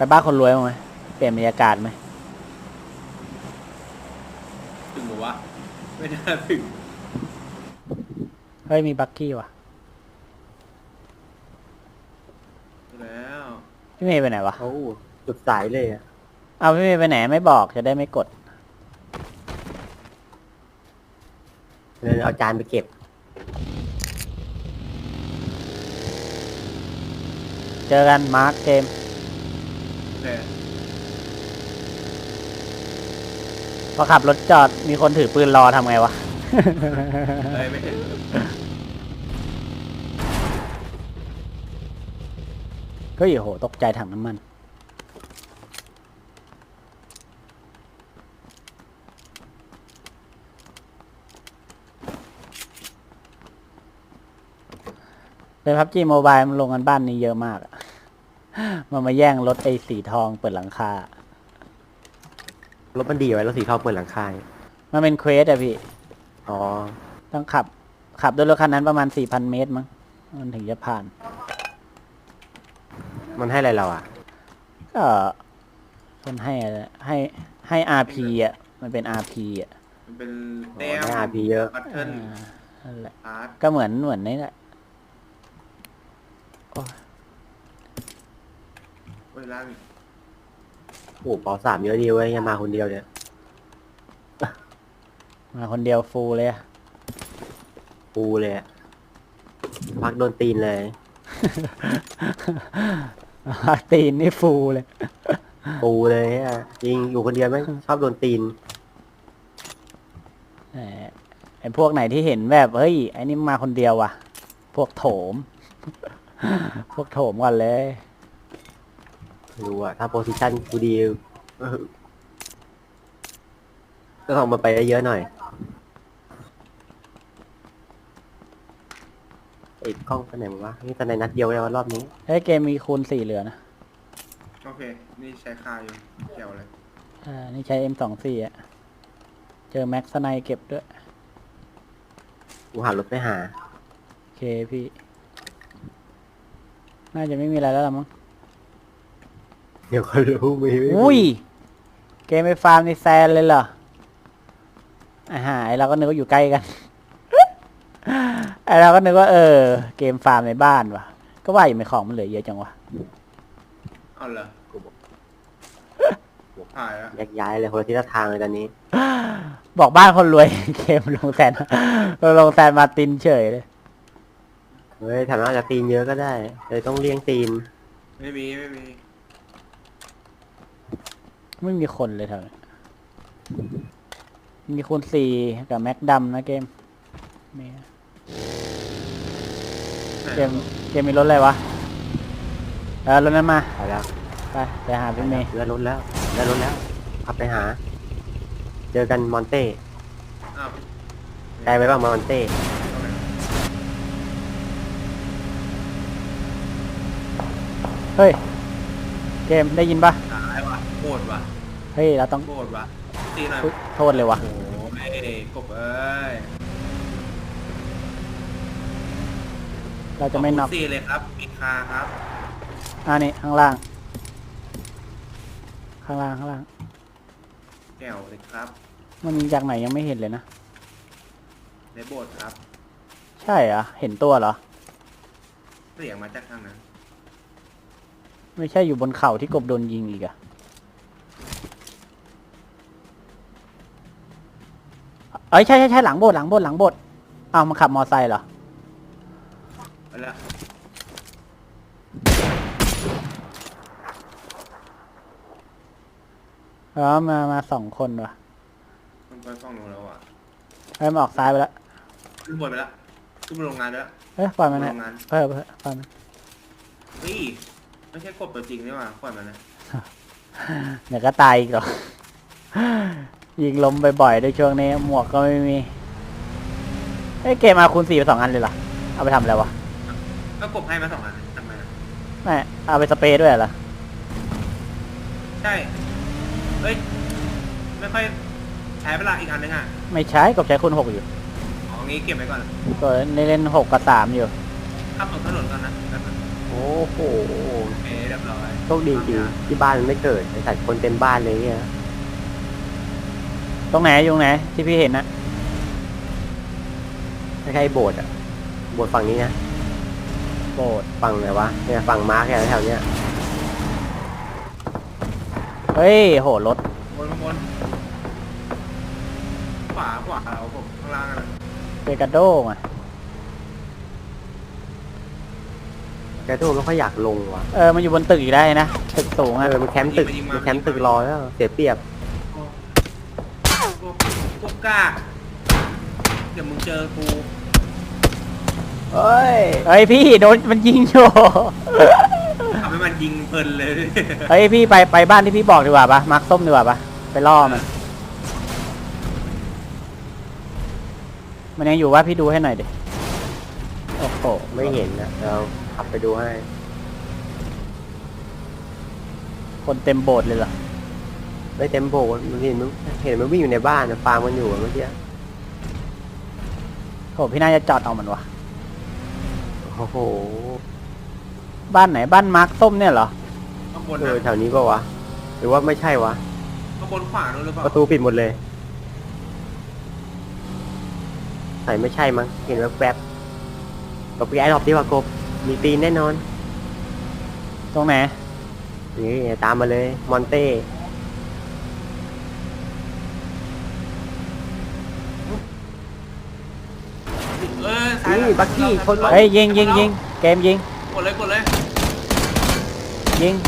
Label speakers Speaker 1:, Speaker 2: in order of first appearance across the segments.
Speaker 1: บ้านคนรวยมั้ยไหมเปลี่ยนบรรยากาศไหม
Speaker 2: ถึงหรือวะไม่น่าถึง
Speaker 1: เฮ้ยมีบักกี้ว่ะ
Speaker 2: แล้ว
Speaker 1: พี่เมย์ไปไหนวะ
Speaker 3: โอ้จุดสายเลยอะ
Speaker 1: เอาพี่เมย์ไปไหนไม่บอกจะได้ไม่กด
Speaker 3: เลยเอาจานไปเก็บ
Speaker 1: เจอกันมาร์คเกม
Speaker 2: โอเค
Speaker 1: พอขับรถจอดมีคนถือปืนรอทำไงวะ
Speaker 2: เลยไม่ถึง
Speaker 1: ก็โหตกใจถังน้ำมันเลยพับจีโมบายมันลงกันบ้านนี้เยอะมากอะ มันมาแย่งรถไอ้สีทองเปิดหลังคาร
Speaker 3: ถมันดีไว้รถสีทองเปิดหลังคา
Speaker 1: มันเป็นเควสอะพี่
Speaker 3: อ๋อ
Speaker 1: ต้องขับด้วยรถคันนั้นประมาณ 4,000 เมตรมั้งมันถึงจะผ่าน
Speaker 3: มันให้อะไรเราอ่ะ
Speaker 1: ก็มันให้อะไรให้ RP อ่ะมันเป็น RP อ่ะ
Speaker 2: มันเป็น
Speaker 3: อ๋อ
Speaker 2: แต้ม
Speaker 3: ได้ RP เยอะ
Speaker 2: บัตเทิล
Speaker 1: นั่นแหละ
Speaker 2: พาร์ท
Speaker 1: ก็เหมือนนี่แหละ
Speaker 2: เวลา
Speaker 3: โอ้ปอสามเยอะดีเว้ยยังมาคนเดียวเนี่ย
Speaker 1: มาคนเดียวฟูลเลยอะ
Speaker 3: ปูเลยอะพักโดนตีนเลย
Speaker 1: ตีนนี่ฟูลเลย
Speaker 3: ปูเลยอะจริงอยู่คนเดียวแม่งชอบโดนตีน
Speaker 1: แหมไอ้พวกไหนที่เห็นแบบเฮ้ยไอ้นี่มาคนเดียวว่ะ พวกโถม พวกโถมก่อนเลย
Speaker 3: ไม่รู้อะถ้าโพซิชันกูดีก็ต้องมาไปได้เยอะหน่อยไอ้กล้องไปไหนวะนี่แต่ในนัดเดียวเลยวะรอบนี้
Speaker 1: เฮ้ยเกมมีคูณ 4เหลือนะ
Speaker 2: โอเค นี่ใช้คาอยู่เกี่ยวเลย
Speaker 1: นี่ใช้ M24 อ่ะ เจอแม็กซ์ไนเก็บด้วย
Speaker 3: กูหารถไปหา
Speaker 1: โอเคพี่ น่าจะไม่มีอะไรแล้วล่ะมั้ง
Speaker 3: เดี๋ยวก็รู้มีไม่มี
Speaker 1: อุ้ย เกมไปฟาร์มในแซนเลยเหรอไอเราก็นึกว่าอยู่ใกล้กัน ไอเราก็นึกว่าเกมฟาร์มในบ้านว่ะ ก็ว่าอยู่ในของมันเหลือเยอะจังวะ
Speaker 2: เอาเหรอ
Speaker 3: กูบอก
Speaker 2: หายแล้ว
Speaker 3: แยกย้ายเลยคนละทิศละทางเลยตอนนี้
Speaker 1: บอกบ้านคนรวย เกมลงแซน ลงแซนมาร์ตินเฉยเลย
Speaker 3: เฮ้ยถามว่าอาจจะตีนเยอะก็ได้เลยต้องเลี้ยงตีน
Speaker 2: ไม่มี
Speaker 1: ไม่มีคนเลยเท่านี้มีคูณ 4กับแม็กดำนะเกมมีเกมมีรถอะไรวะรถนั้นมา
Speaker 3: ไปแล้ว
Speaker 1: ไปหาพี่เมย์
Speaker 3: เรือรถแล้วเรือรถแล้วขับไปหา เจอกันมอนเต้
Speaker 2: อ้าว
Speaker 3: ไกลไปบ้างมอนเต้
Speaker 1: เฮ้ย เกมได้ยินปะ
Speaker 2: หายว่ะโคตรว่ะ
Speaker 1: เฮ้ยเราต้อง
Speaker 2: โคตรว่ะตีหน่อย
Speaker 1: อุ๊ยโทษเลยวะ
Speaker 2: โอ้โหไม่กบเอ้ย
Speaker 1: เราจะไม่น็อก
Speaker 2: 4เลยครับมีคาครับ
Speaker 1: นี่ข้างล่าง ข้างล่าง
Speaker 2: แก้วเลยครับ
Speaker 1: มันยิงจากไหนยังไม่เห็นเลยนะ
Speaker 2: ในโบสถ์ครับ
Speaker 1: ใช่เหรอเห็นตัวเหรอ
Speaker 2: เสียงมาจากทางนั้น
Speaker 1: ไม่ใช่อยู่บนเขาที่กบโดนยิงอีกอะเอ้ยใช่หลังโบสถ์อ้าวมันขับมอไซค์เหรอ
Speaker 2: ไปแล้ว
Speaker 1: มา2 คนว่ะ
Speaker 2: มันไปฝั่งนู้นแล้วอ่ะ
Speaker 1: เฮ้ยมันออกซ้ายไปแล้ว
Speaker 2: ขึ้นบนไปแล้วขึ้นบนโรงงานแล้ว
Speaker 1: เฮ้ยปล่อยมันนะ
Speaker 2: โรงงาน
Speaker 1: ปล่อยมัน
Speaker 2: เฮ้ยไม่ใช่กบตัวจริงนี่หว่าปล่อยมันนะ
Speaker 1: เดี๋ยวก็ตายอีกหรอก ยิงล้มบ่อยๆด้วยช่วงนี้หมวกก็ไม่มีเอ้ยเกมมาคูณ 4ไป2 อันเลยเหรอเอาไปทำอะไรวะ
Speaker 2: ก็กบให้มา2 อันทำไมอะ
Speaker 1: ไม่เอาไปสเปรย์ด้วยเหรอ
Speaker 2: ใช่เฮ้ยไม่ค่อยใช้เวลาอีกอันนึงอ่ะ
Speaker 1: ไม่ใช้กบใช้คูณ 6อยู่
Speaker 2: อ๋องี้เก็บไว้ก่อน
Speaker 1: ก็เล่น6 กับ 3อยู่
Speaker 2: ขับตรงถนนก่อนนะแบบนั้น
Speaker 3: โอ้โห
Speaker 2: โอเคเรียบร้อย
Speaker 3: โชคดีจริงที่บ้านมันไม่เกิดไอ้สัตว์คนเต็มบ้านเลยเนี่ย
Speaker 1: ตรงไหนอยู่ตรงไหนที่พี่เห็นนะ
Speaker 3: ไม่ใช่โบสถ์อะโบสถ์ฝั่งนี้นะ
Speaker 1: โบด
Speaker 3: ฝั่งไหนวะเนี่ยฝั่งมาร์คแถวเนี้ย
Speaker 1: เฮ้ยโหรถ
Speaker 2: บนขวาเราผมข้างล่างอะ
Speaker 1: เปกาโดมา
Speaker 3: แกตัวไม่ค่อยอยากลงว่ะ
Speaker 1: มันอยู่บนตึกอีกได้นะตึกสูงอะ
Speaker 3: มันแคมป์ตึกมันแคมป์ตึกรอแล้วเสียเปรียบ
Speaker 2: พวกกล้าเดี๋ยวมึงเจอกู
Speaker 3: เฮ้ย
Speaker 1: เฮ้ยพี่โดนมันยิงโช
Speaker 2: ทำให้มันยิงเพลินเลย
Speaker 1: เฮ้ยพี่ไปบ้านที่พี่บอกดีกว่าปะมาร์คส้มดีกว่าปะไปล่อมันยังอยู่ว่าพี่ดูให้หน่อยดิโอ้โห
Speaker 3: ไม่เห็นนะเราขับไปดูให้
Speaker 1: คนเต็มโบสถ์เลยเหรอ
Speaker 3: ไม่เต็มโบสถ์มันเห็นมันวิ่งอยู่ในบ้านฟาร์มมันอยู่เมื่อกี้
Speaker 1: โหพี่น่าจะจอดเอามันวะ
Speaker 3: โอ้โห
Speaker 1: บ้านไหนบ้านมาร์คส้มเนี่ยเหรอ
Speaker 2: ข้างบน
Speaker 3: เอ
Speaker 2: นะ
Speaker 3: อแถวนี้ปะวะหรือว่าไม่ใช่วะ
Speaker 2: ข้างบนขวานู้นหรือเปล่า
Speaker 3: ประตูปิดหมดเลยใส่ไม่ใช่มั้งเห็นแวบๆกบไอ้รอบที่ว่ากบมีตีนแน่นอน
Speaker 1: ตรงไหน
Speaker 3: นี่ตามมาเลยมอนเต้
Speaker 2: ซ้าย
Speaker 3: นี่บักกี้ชนไว้
Speaker 1: เฮ้ยยิงเกมยิง
Speaker 2: กดเลย
Speaker 1: ยิง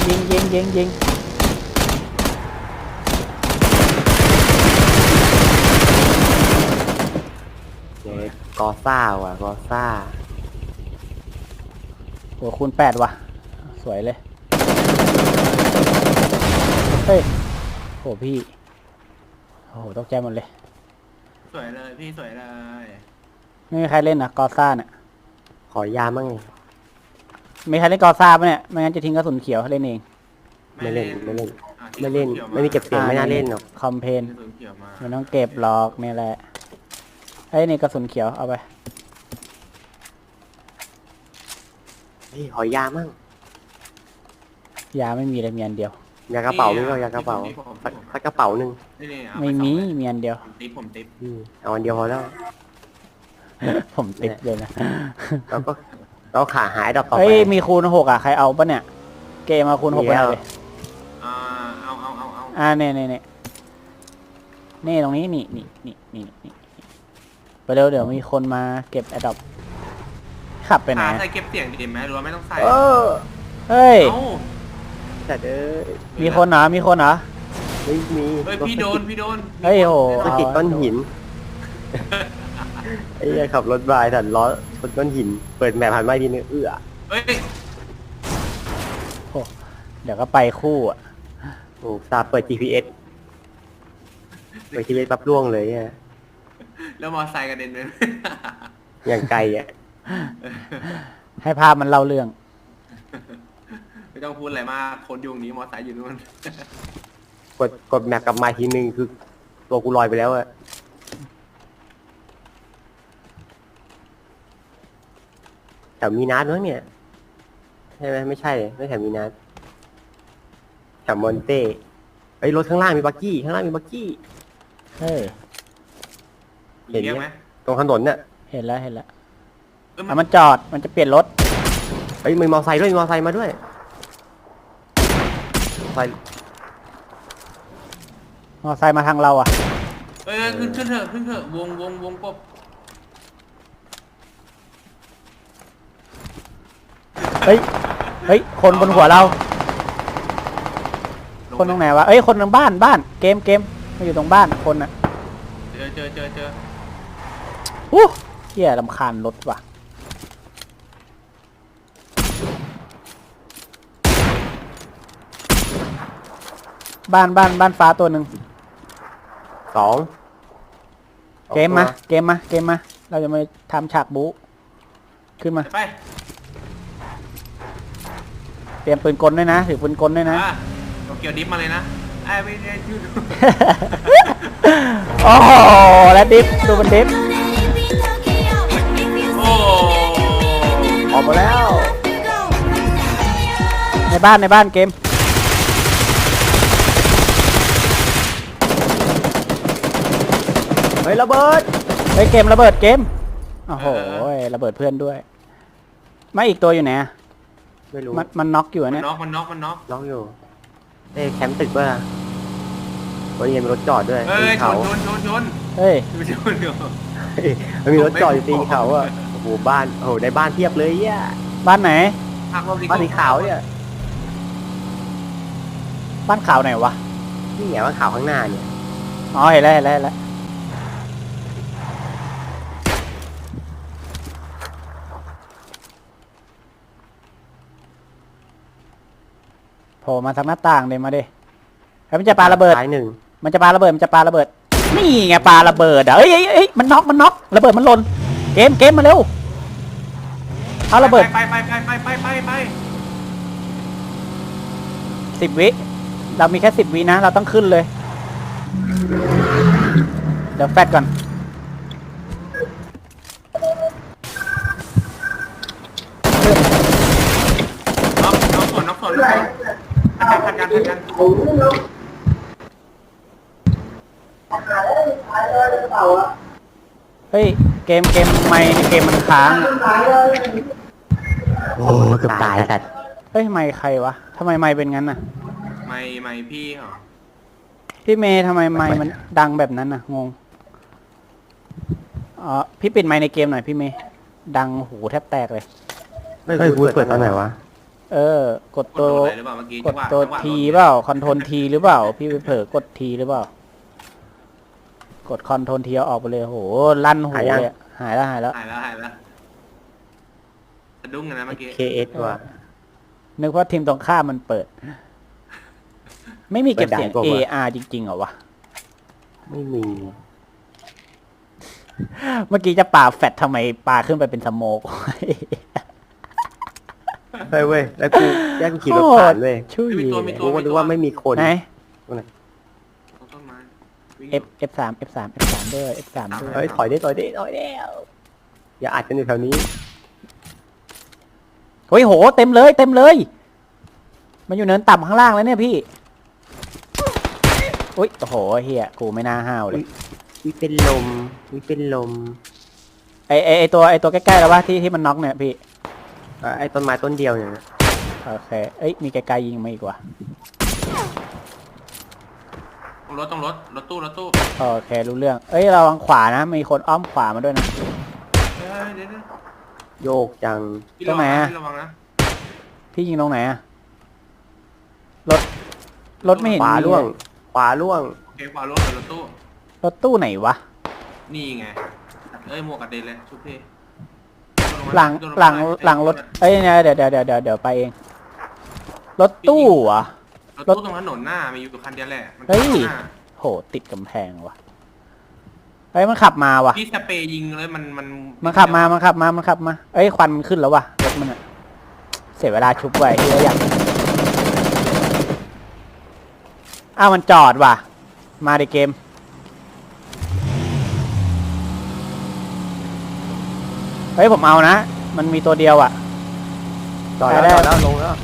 Speaker 3: เนี่ยกอซ่าว่ะกอซ่า
Speaker 1: หัวคูณ8ว่ะสวยเลยเฮ้ยโหพี่โอ้โหตกใจหมดเลย
Speaker 2: สวยเลยพี่สวยเลย
Speaker 1: ไม่มีใครเล่นนะกอซ่าเนี่ย
Speaker 3: ขอยามั่ง
Speaker 1: มีใครเล่นกอซ่าปะเนี่ยไม่งั้นจะทิ้งกระสุนเขียวเล่นเอง
Speaker 3: ไม่เล่น
Speaker 2: อ่ะ
Speaker 3: ไม่เล่นไม่มีเก็บเสียงไม่น่าเล่นหรอก
Speaker 1: คอมเพน
Speaker 2: กระสุนเขียวมา
Speaker 1: ไม่ต้องเก็บหรอกนี่แหละเฮ้ยนี่กระสุนเขียวเอาไป
Speaker 3: เฮ้ยขอยามั่ง
Speaker 1: ยาไม่มีเลยมีอันเดียวย
Speaker 3: ากระเป๋านี่ก็ยากระเป๋าสักกระเป๋าหนึ่ง
Speaker 2: นี่เอา
Speaker 1: ไม่
Speaker 2: ป
Speaker 1: มี
Speaker 2: สองเลย
Speaker 1: มีอันเดียว
Speaker 2: ผมติ๊บ
Speaker 3: เอาอันเดียวพอแล้ว
Speaker 1: ผมติดเลยนะ
Speaker 3: แล้วก็เราขาหายดอกต่อไป
Speaker 1: เฮ้ยมีคูณ6อ่ะใครเอาปะเนี่ยเกมมาคูณ6ไปหน่อยเลย
Speaker 2: อ่าเอา
Speaker 1: นี่ตรงนี้นี่ไปเร็วเดี๋ยวมีคนมาเก็บแอดดอปขับไปไหน
Speaker 2: ใส่เก็บเสียงดีไหมหรือว่าไม่ต้องใส่
Speaker 3: เออ
Speaker 1: เฮ้ย
Speaker 2: เอ้า
Speaker 3: แต่เด้อ
Speaker 1: มีคนเหรอ
Speaker 3: ไม่มี
Speaker 2: เฮ้ยพี่โดน
Speaker 1: เฮ้ยโห
Speaker 3: สะกิดก้อนหินไอ้เหี้ยขับรถบายแต่ล้อชนก้อนหิน เปิดแมพผ่านไม่ดีนึง
Speaker 2: เฮ้ย
Speaker 1: เดี๋ยวก็ไปคู่อ่ะ
Speaker 3: โอ้ซาเปิด GPS เปิด GPS ปั๊บล่วงเลยเนี่ย
Speaker 2: แล้วมอไซค์กระเด็นไป
Speaker 3: อย่างไกลอ่ะ
Speaker 1: ให้ภาพมันเล่าเรื่อง
Speaker 2: ไม่ต้องพูดอะไรมากคนอยู่ตรงนี้มอไซค์อยู่นู่น
Speaker 3: กดแมปกลับมาทีนึงคือตัวกูลอยไปแล้วอะแถวมีนัดมั้งเนี่ยใช่ไหมไม่ใช่ไม่แถวมีนัดแถวมอนเต้ไอ้ยรถข้างล่างมีบักกี้ข้างล่างมีบักกี้
Speaker 1: เฮ้ย
Speaker 3: เห็น
Speaker 2: เรียก
Speaker 3: ไห
Speaker 2: ไห
Speaker 3: ม
Speaker 2: ม
Speaker 3: ตรงถนนเนี่ย
Speaker 1: เห็นแล้ว
Speaker 2: เออ
Speaker 1: มันจอดมันจะเปลี่ยนรถ
Speaker 3: เฮ้ยมีมอไซค์ด้วยมีมอไซค์มาด้วยมอไซค์
Speaker 1: มอไซค์มาทางเราอ่ะ
Speaker 2: เอ้ยขึ้นเถอะวงกบ
Speaker 1: เฮ้ยคนบนหัวเรา คนตรงไหนวะเอ้ยคนตรงบ้านเกมมาอยู่ตรงบ้านคนอ่ะ
Speaker 2: เจอ
Speaker 1: เหี้ยรำคาญรถว่ะบ้านฟ้าตัวหนึ่ง
Speaker 3: 2
Speaker 1: เกมมาเราจะมาทำฉากบู๊ขึ้นมา
Speaker 2: ไป
Speaker 1: เตรียมปืนกลด้วยนะถือปืนกลด้วยนะ
Speaker 2: โตเกียวดิฟมาเลยนะไอ้ไม่ได้ยืด
Speaker 1: โอ้โหแล้วดิฟดูมันดิฟ
Speaker 2: โอ้
Speaker 3: ออกมาแล้ว
Speaker 1: ในบ้านเกม
Speaker 3: เฮ้ยระเบิด
Speaker 1: เฮ้ยเกมระเบิดเกมโอ้โหระเบิดเพื่อนด้วยไม่อีกตัวอยู่ไหนอะ
Speaker 3: ไม่รู้
Speaker 1: มันน็อกอยู่อะ
Speaker 2: มัน
Speaker 1: เนี่ย
Speaker 2: น็อกมันน็อกมันน็อก
Speaker 3: ล็อกอยู่เอ้ยแคมป์ตึกป่ะวันนี้มีรถจอดด้วย
Speaker 2: เอ้
Speaker 3: ตี
Speaker 2: ย
Speaker 3: น
Speaker 2: ช
Speaker 3: เขา
Speaker 2: นชนชนชน
Speaker 1: เฮ้ย
Speaker 2: ชนอยู่
Speaker 3: เฮ้ยมันมีรถจอดอยู่ตีนเขาอ่ะโอ้โหบ้านโอ้โหในบ้านเทียบเลยอ่ะ
Speaker 1: บ้านไหน
Speaker 2: หักลบดี
Speaker 3: บ้านสีขาวเนี่ย
Speaker 1: บ้านขาวไหนวะ
Speaker 3: นี่ไงบ้านขาวข้างหน้าเนี่ย
Speaker 1: อ๋อเห็นแล้วโผล่มาทางหน้าต่างเลยมาดิเฮ้ยมันจะปาระเบิด
Speaker 3: ซ้ายหนึ่ง
Speaker 1: มันจะปาระเบิดนี่ไงปาระเบิดอ่ะเอ้ยมันน็อกระเบิดมันหล่นเกมมาเร็วเอาระเบิด
Speaker 2: ไป
Speaker 1: 10 วิเรามีแค่10 วินะเราต้องขึ้นเลยเดี๋ยวแฟดก่อน
Speaker 2: น็อกส่วนทันกัน
Speaker 1: เฮ้ยเกมไม่ในเกมมันค้าง
Speaker 3: โอ้เกือบตายสัตว์
Speaker 1: เฮ้ยไม่ใครวะทำไมไม่เป็นงั้นน่ะ
Speaker 2: ไม่พี่เหรอ
Speaker 1: พี่เมย์ทำไมไม่มันดังแบบนั้นน่ะงงอ๋อพี่ปิดไมค์ในเกมหน่อยพี่เมย์ดังหูแทบแตกเลย
Speaker 3: เฮ้ยกูเปิดตอนไหนวะ
Speaker 1: กดตัว
Speaker 2: หรือเปล่าเมื่อกี้
Speaker 1: กดตัวทีเปล่าคอนโทรลทีหรือเปล่าพี่ไปเผลอกดทีหรือเปล่ากดคอนโทรลทีเอาออกไปเลยโหลั่นหูเลยอะหายแล้ว
Speaker 2: หายแล้วสะดุ้งกันนะเมื่อกี้
Speaker 3: KS ว่ะ
Speaker 1: นึกว่าทีมตรงข้ามมันเปิด ไม่มีเก็บเสียง
Speaker 3: เปิดด่านกว่า
Speaker 1: AR จริงๆเหรอวะ
Speaker 3: ไม่มี
Speaker 1: เมื่อกี้จะปาแฟดทำไมปาขึ้นไปเป็นสโมก
Speaker 3: เฮ้ยเว้ยแล้วกูแยกกูขี่รถผ่านเว้ย
Speaker 1: ช่วย
Speaker 3: กูก็นึกว่าไม่มีคน
Speaker 1: ไหน
Speaker 2: ต้นไม้
Speaker 1: F3 ด้วย F3 ด้วย
Speaker 3: เฮ้ยถอยได้อย่าอัดกันอยู่แถวนี้
Speaker 1: เฮ้ยโหเต็มเลย มันอยู่เนินต่ำข้างล่างแล้วเนี่ยพี่อุ้ยโอ้โหเฮียกูไม่น่าห้าวเลย
Speaker 3: วิเป็นลม
Speaker 1: ไอตัวใกล้ๆแล้ววะที่มันน็อกเนี่ยพี่
Speaker 3: ไอ้ต้นไม้ต้นเดียวเนี่ย
Speaker 1: โอเคเอ้ยมีไกลๆยิงมาอีกว่ะ
Speaker 2: ต้องรถตู้
Speaker 1: โอเครู้เรื่องเอ้ยระวังขวานะมีคนอ้อมขวามาด้วยนะ
Speaker 2: เดี๋ยว
Speaker 3: โยกจัง
Speaker 2: พี่ระวังนะ
Speaker 1: พี่ยิงตรงไหนอะรถไม่เห็น
Speaker 3: ขวา
Speaker 1: มี
Speaker 3: ล่วง
Speaker 1: เลย
Speaker 3: ขวาล่วง
Speaker 2: เก็บขวารถตู้
Speaker 1: รถตู้ไหนวะ
Speaker 2: นี่ไงหมวกกระเด็นเลยชุบพี่
Speaker 1: หลังรถเอ้ยเนี่ยเดี๋ยวไปเองรถตู้เหรอ่ะ
Speaker 2: รถตู้ตรงถนนหน้ามีอยู่คันเดียวแหละ
Speaker 1: เฮ้ย โหติดกำแพงว่ะเฮ้ยมันขับมาว่ะ
Speaker 2: พี่สเปรย์ยิงเลยมัน
Speaker 1: ขับมาเอ้ยควันขึ้นแล้วว่ะรถมันอะเสียเวลาชุบไว้ที่เราอยากอ้าวมันจอดว่ะมาในเกมเฮ้ยผมเอานะมันมีตัวเดียวอ่ะ
Speaker 3: จอดแล้วลงแล้ว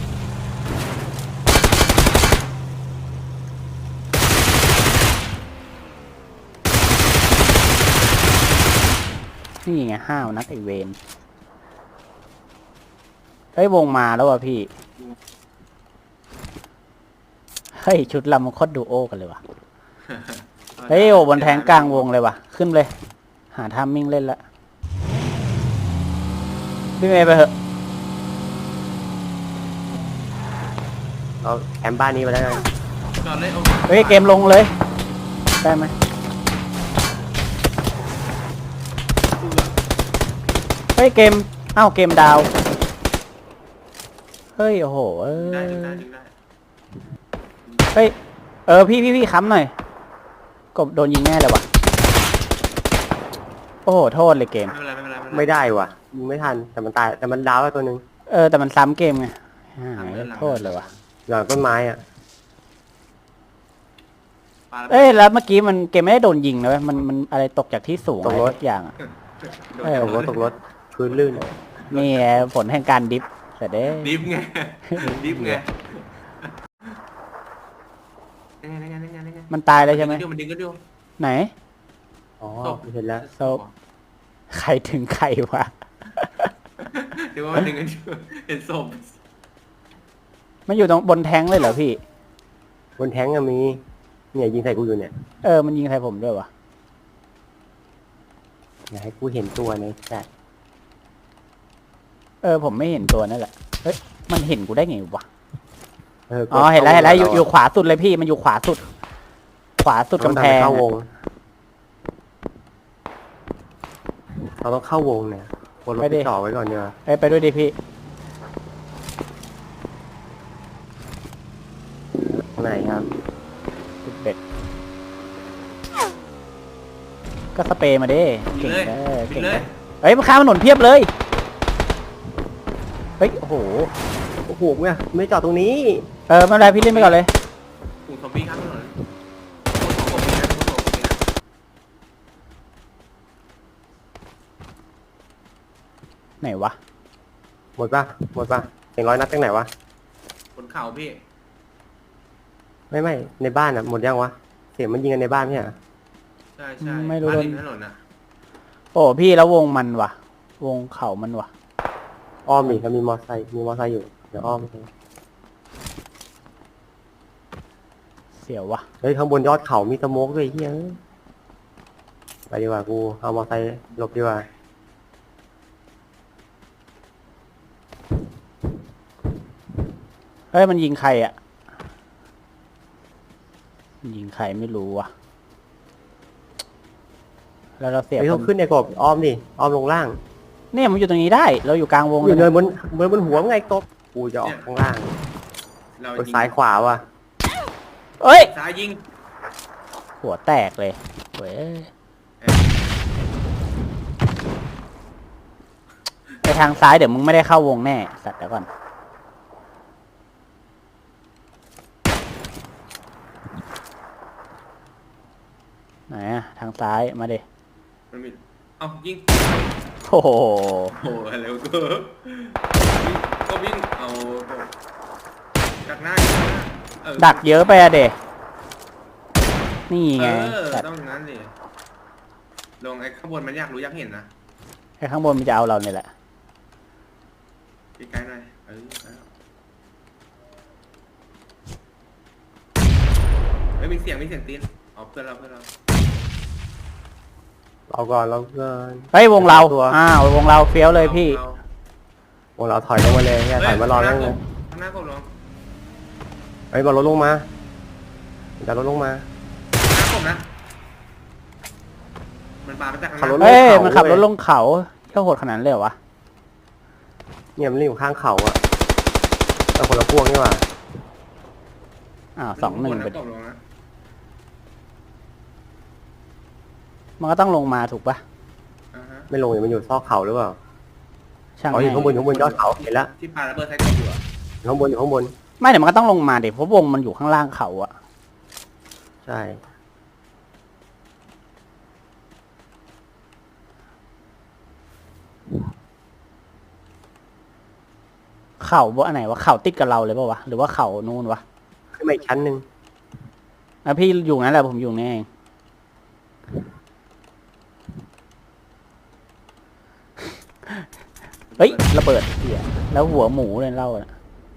Speaker 1: นี่ไงห้าวนักไอเวนเฮ้ยวงมาแล้วว่ะพี่เฮ้ยชุดลำมันโคตรดูโอกันเลยว่ะเฮ้ยโอ้บนแทงกลางวงเลยว่ะขึ้นเลยหาทามมิ่งเล่นละพี่เมย์ไปเถอะ
Speaker 3: เอาแคมป์บ้านนี้ไปแล้วกัน
Speaker 2: จอดเลย
Speaker 1: เฮ้ยเกมลงเลยได้ไหมเฮ้ยเกมอ้าวเกมดาวเฮ้ยโอ้โห
Speaker 2: ได้
Speaker 1: เฮ้ยพี่ค้ำหน่อยกบโดนยิงแน่เลยว่ะโอ้โหโทษเลยเกม
Speaker 3: ไม่ได้ว่ะยิงไม่ทันแต่มันตายแต่มันดาวแล้วตัวนึง
Speaker 1: แต่มันซ้ำเกมไงหายโทษเลยว่ะ
Speaker 3: หลังต้นไม้อ่ะ
Speaker 1: แล้วเมื่อกี้มันเกมไม่ได้โดนยิงนะเว้ยมันอะไรตกจากที่สูงอะไรสักอย่างอ่ะ
Speaker 3: ตกรถพื้นลื่น
Speaker 1: นี่ผลแห่งการดิฟแต่เด้
Speaker 2: ดิฟไงดิฟไงนั่นไง
Speaker 1: มันตายเลยใช่ไหม
Speaker 2: มันดึงก็ดู
Speaker 1: ไหน
Speaker 3: อ๋อเห็นแล้ว
Speaker 1: ศพ ใครถึงใครวะ
Speaker 2: เดี๋ยวว่ามันดึงกันดูเห็นศพ
Speaker 1: มันอยู่ตรงบนแท้งเลยเหรอพี่
Speaker 3: บนแท้งอะมีเนี่ยยิงใส่กูอยู่เนี่ย
Speaker 1: มันยิงใส่ผมด้วยวะ
Speaker 3: อย่าให้กูเห็นตัวในแชท
Speaker 1: ผมไม่เห็นตัวนั่นแหละ เฮ้ย มันเห็นกูได้ไงวะ
Speaker 3: กด
Speaker 1: อ๋อ เห็นแล้วอยู่ขวาสุดเลยพี่ มันอยู่ขวาสุด ขวาสุดกำแพง
Speaker 3: เข้าว
Speaker 1: อะ
Speaker 3: งเราต้องเข้าวงเนี่ยวนรถไปจ่อไว้ก่อนเนี่ย
Speaker 1: ไปด้วยดิพี่
Speaker 3: ข้างในครับ
Speaker 1: เป็ด ก็สเปรย์มาดิ
Speaker 2: บิ
Speaker 1: เก่
Speaker 2: น
Speaker 1: ง
Speaker 2: เลย
Speaker 1: เด้อ
Speaker 2: บิ
Speaker 1: เก่
Speaker 2: น
Speaker 1: ง
Speaker 2: เล
Speaker 1: เด้
Speaker 2: ย
Speaker 1: อเฮ้ยมันข้ามถนนเพียบเลย เฮ้ย โอ้โห
Speaker 3: โอ้โหเนี่ยไม่จอดตรงนี้
Speaker 1: ไม่เป็นไรพี่เล่นไปก่อนเลย
Speaker 2: กลุ่มซอมบี้ข้ามถนนโคตรโคตรโคตรโคตรโคตร
Speaker 1: ไหนวะ
Speaker 3: หมดป่ะเสียงร้อยนัดจากไหนวะ
Speaker 2: บนเขาพี่
Speaker 3: ไม่ในบ้านอ่ะหมดยังวะเสียงมันยิงกันในบ้านเนี่ย
Speaker 2: ใช่
Speaker 1: ไม่รู้
Speaker 2: บ้านริมถนนอ่ะ
Speaker 1: โอ้พี่แล้ววงมันวะวงเขามันวะ
Speaker 3: อ้อมอีกแล้วมีมอไซค์อยู่เดี๋ยวอ้อมไป
Speaker 1: เสียววะ
Speaker 3: เฮ้ยข้างบนยอดเขามีสโมกด้วยเฮียไปดีกว่ากูเอามอไซค์หลบดีกว่า
Speaker 1: เฮ้ยมันยิงใครอ่ะมันยิงใครไม่รู้วะแล้วเราเสีย
Speaker 3: เฮ้ย
Speaker 1: ค
Speaker 3: ต้องขึ้นในกบอ้อมดิอ้อมลงล่าง
Speaker 1: เนี่ยมันอยู่ตรงนี้ได้ เราอยู่กลางวง
Speaker 3: อยู่
Speaker 1: เล
Speaker 3: เนิ
Speaker 1: ย
Speaker 3: นบนหัวมึงไงกบกูจะออกข้างล่าง
Speaker 2: เรา
Speaker 3: กด
Speaker 2: ยิง
Speaker 3: ซ้ายขวาว่ะ
Speaker 1: เอ้ย
Speaker 2: ซ้ายยิง
Speaker 1: หัวแตกเลยเว้ยไปทางซ้ายเดี๋ยวมึงไม่ได้เข้าวงแน่ สัตว์เดี๋ยวก่อน ไหนอะทางซ้ายมาดิ
Speaker 2: มันมีเอ้ายิง
Speaker 1: โอ้โห
Speaker 2: โอ้อะไรวะก็วิ่งเอาดักหน้า
Speaker 1: ดักเยอะไปอะเดนี่ไง สัตว์
Speaker 2: ต้องนั้นดิลงไอ้ข้างบนมันอยากรู้อยากเห็นนะ
Speaker 1: ไอ้ข้างบนมันจะเอาเราเนี่ยแหละ
Speaker 2: ใกล้ๆหน่อยเฮ้ยมีเสียงตีนเอาเพื่อนเรา
Speaker 3: เราก่อนเราเกิน
Speaker 1: เฮ้ยวงเรา
Speaker 3: ตัว
Speaker 1: วงเราเฟี้ยวเลยพี่
Speaker 3: วงเราถอยลงมาเลยเนี่ยถอยมารอนั่งเลย
Speaker 2: ข้างหน้ากบลง
Speaker 3: เฮ้ยบอลรถลงมาจะรถลงมา
Speaker 2: ข้างหน้ากบนะมันมาจากข้างห
Speaker 3: ขับรถ
Speaker 2: น้า
Speaker 1: เฮ้ย
Speaker 3: ลงเขา
Speaker 1: มันขับรถ
Speaker 3: เว้ย
Speaker 1: ลงเขาเที่ยวโหดขนาดนั้นเลยเหรอวะ
Speaker 3: เนี่ยมันอยู่ข้างเขาอะแต่คนละพวกนี่หว่า
Speaker 1: 2-1 ไป
Speaker 2: กบลงนะ
Speaker 1: มันก็ต้องลงมาถูกปะ
Speaker 3: ไม่ลงเนี่ยมันอยู่ซอกเขาหรือเปล่า
Speaker 1: ช่าง
Speaker 3: อ๋ออยู่ข้างบนยอดเขาเห็นแล้ว
Speaker 2: ที่ปาระเบิดใส่กบอยู่อะ
Speaker 3: อยู่ข้างบน
Speaker 1: ไม่เดี๋ยวมันก็ต้องลงมาเดี๋ยวเพราะวงมันอยู่ข้างล่างเขาอะ
Speaker 3: ใช่
Speaker 1: เขาบ่อันไหนวะเขาติดกับเราเลยปะวะหรือว่าเขานู่นวะ
Speaker 3: ขึ้นมาอีกชั้นหนึ่ง
Speaker 1: พี่อยู่งั้นแหละผมอยู่นี่เองเฮ้ยระเบิดเหี้ยแล้วหัวหมูเลยเล่าอะ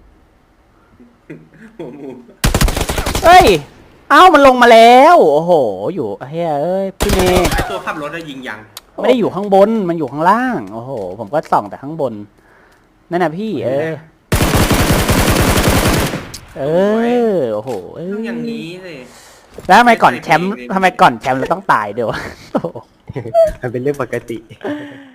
Speaker 2: หัวหมู
Speaker 1: เฮ้ยเอ้ามันลงมาแล้วโอ้โห อยู่เฮ้ยเอ้ยพี่เมย์
Speaker 2: ไอตัวขับรถได้ยิงยัง
Speaker 1: ไม่ได้อยู่ข้างบนมันอยู่ข้างล่างโอ้โห ผมก็ส่องแต่ข้างบนนั่นน่ะพี่โอ้โห
Speaker 2: ต้องอย่างนี้สิ
Speaker 1: แล้วทำไมก่อนแชมป์เราต้องตายเดี๋ยว
Speaker 3: มันเป็นเรื่องปกติ